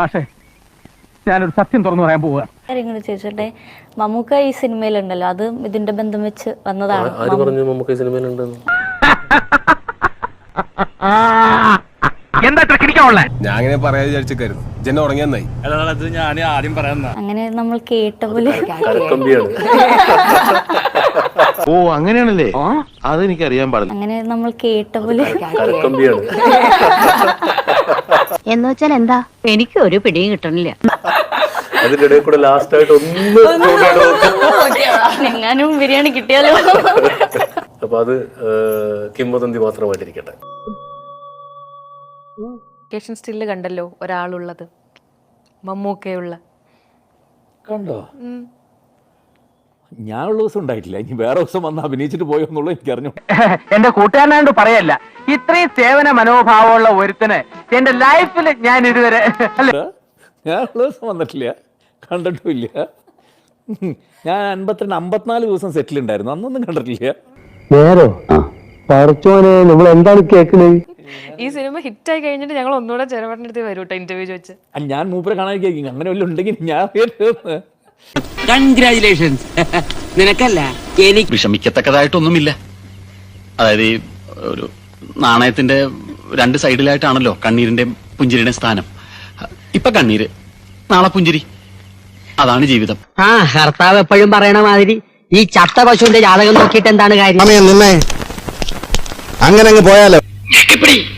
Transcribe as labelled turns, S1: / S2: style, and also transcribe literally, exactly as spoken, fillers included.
S1: പക്ഷേ ഞാനൊരു സത്യം തുറന്നു പറയാൻ പോവുക.
S2: കാര്യങ്ങൾ ചോദിച്ചോട്ടെ, മമ്മൂക്ക ഈ സിനിമയിലുണ്ടല്ലോ, അത് ഇതിന്റെ ബന്ധം വെച്ച് വന്നതാണ്.
S3: ആര് പറഞ്ഞു മമ്മൂക്ക ഈ സിനിമയിലുണ്ടെന്ന്?
S1: എന്താ കിടിക്കാവുള്ള?
S4: ഞാൻ അങ്ങനെ പറയാൻ വിചാരിച്ചേക്കായിരുന്നു. ജന ഉറങ്ങിയെന്നായി.
S5: അത് ഞാൻ ആദ്യം പറയാൻ
S2: അങ്ങനെ നമ്മൾ കേട്ട പോലെ.
S6: ഓ അങ്ങനെയാണല്ലേ, അതെനിക്ക് അറിയാൻ പാടില്ല.
S2: അങ്ങനെ നമ്മൾ കേട്ട പോലെ.
S7: എന്ന് വെച്ചാൽ എന്താ, എനിക്ക് ഒരു പിടിയും കിട്ടണില്ല.
S3: അതിന്റെ കൂടെ ലാസ്റ്റ് ആയിട്ട് ഒന്ന്
S2: എങ്ങാനും ബിരിയാണി കിട്ടിയാലോ.
S3: അപ്പൊ അത് കിംവദന്തി മാത്രമായിട്ടിരിക്കട്ടെ.
S8: ലൊക്കേഷൻ സ്റ്റില്ല് കണ്ടല്ലോ ഒരാളുള്ളത്, മമ്മൂക്കയുള്ള
S5: കണ്ടോ? ഞാനുള്ള ദിവസം ഉണ്ടായിട്ടില്ല, ഇനി വേറെ ദിവസം വന്ന് അഭിനയിച്ചിട്ട് പോയോ എന്നുള്ളത് എനിക്ക് അറിഞ്ഞു.
S1: എന്റെ കൂട്ടുകാരനായോണ്ട് പറയല്ല, ഇത്രയും സേവന മനോഭാവമുള്ള ഒരുത്തന് എന്റെ ലൈഫിൽ ഞാൻ ഇതുവരെ
S5: ഞാനുള്ള ദിവസം വന്നിട്ടില്ല, കണ്ടിട്ടുമില്ല. ഞാൻ അൻപത്തിരണ്ട് അമ്പത്തിനാല് ദിവസം സെറ്റിൽ ഉണ്ടായിരുന്നു, അന്നൊന്നും കണ്ടിട്ടില്ല.
S9: നേരോ പറച്ചോനെ, നമ്മൾ എന്താണ് കേൾക്കുന്നത്?
S8: ഈ സിനിമ ഹിറ്റായി കഴിഞ്ഞിട്ട് ഞങ്ങൾ ഒന്നുകൂടെ ചെറുപടിന്റെ അടുത്ത് വരും കേട്ടോ, ഇന്റർവ്യൂ ചോദിച്ച്.
S5: ഞാൻ മൂപ്പരെ കാണാതിരിക്കും, അങ്ങനെ വല്ലതും ഉണ്ടെങ്കിൽ ഞാൻ
S10: കൺഗ്രാജുലേഷൻസ്. നിനക്കല്ല, എനിക്ക്
S11: വിഷമിക്കത്തക്കതായിട്ടൊന്നുമില്ല. അതായത് ഈ ഒരു നാണയത്തിന്റെ രണ്ട് സൈഡിലായിട്ടാണല്ലോ കണ്ണീരിന്റെ പുഞ്ചിരിയുടെ സ്ഥാനം. ഇപ്പൊ കണ്ണീര്, നാളെ പുഞ്ചിരി, അതാണ് ജീവിതം.
S10: ആ കർത്താവ് എപ്പോഴും പറയണ മാതിരി ഈ ചത്ത പശുവിന്റെ ജാതകം നോക്കിയിട്ട് എന്താണ് കാര്യം?
S6: അങ്ങനെ അങ്ങ് പോയാലോ.